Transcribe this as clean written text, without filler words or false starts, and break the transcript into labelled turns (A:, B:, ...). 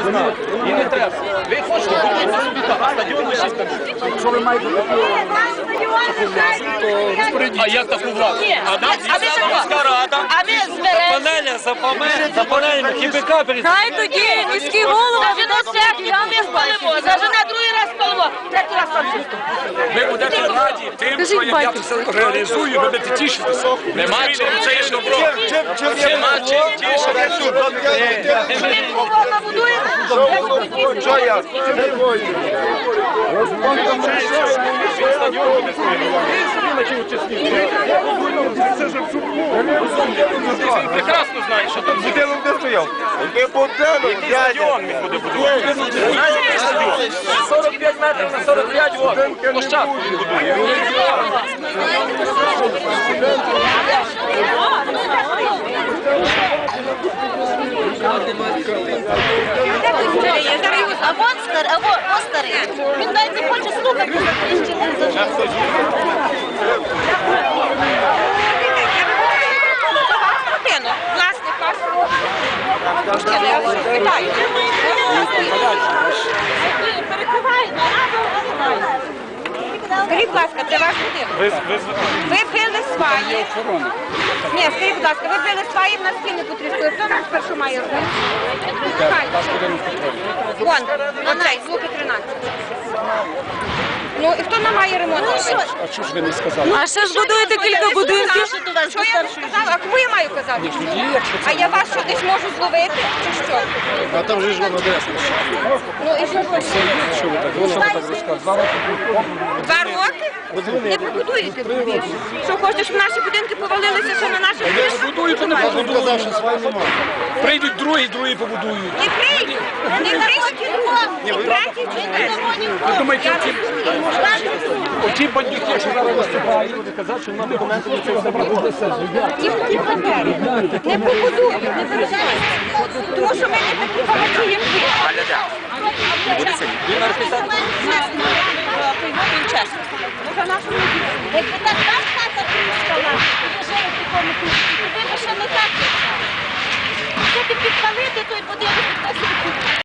A: знати. І не треба. Ви хочете будувати собі так, а стадіон лишити.
B: Що ви маєте таку?
A: А як таку владу? А нам дійсно міська рада.
C: А ми зберемо.
A: За панелями ХБК перед...
C: Хай тоді міський голова віддасть всякі, а ми спалимо. Зажене другий раз спалимо, третій раз спалимо.
A: Ви будете раді тим, що я все реалізую, ви будете тішитися. Нема чим, це є добро. Нема чим тішитися.
C: Ми голова будуємо.
B: Що я?
A: Прекрасно знаєш, що тут
B: Будинок де стояв? Який будинок?
A: стадіон він буде будувати. Знаєте, який стадіон? 45 метрів на 45, от, площадку він будує.
C: А вон старий. Він навіть не хоче слухати. Власник ваш. Питаю. Перекриває, скажіть, будь ласка, це ваш будинок? Ви били сваї. Ні, скажіть, будь ласка, ви били сваї, в нас стіни потріскали. Хто нам спершу має робити? Вон, оцей, звуки 13. Ну, і хто нам має ремонт робити?
A: А чого ж ви не сказали?
D: А ще ж будуєте кілька будинків.
C: Що я не сказала? А кому я маю казати? А я вас що, десь можу зловити? Чи що?
B: А там же ж воно адресно.
C: Ну, і що?
B: Що ви так? Воно так розказує.
C: 2 роки? Не побудуєте дві. Що, хочете, щоб наші будинки повалилися, що на наших кришах?
A: Будуєте, не
B: Він казав, що свої немає.
A: Прийдуть другі побудують.
C: Не прийдуть, не кришки, не третій, чи не
A: Ви думаєте, оті бандюки, що зараз виступають, будуть казати, що нам документи на це забрати.
C: ніхто не папери. Не побудують, не переживайте. Тому що ми не такі багаті, як ви. Якби так ваш хата тріскала, і жили в такому кущі, то ви б ще не так. Якщо ти підпалити той будинок, то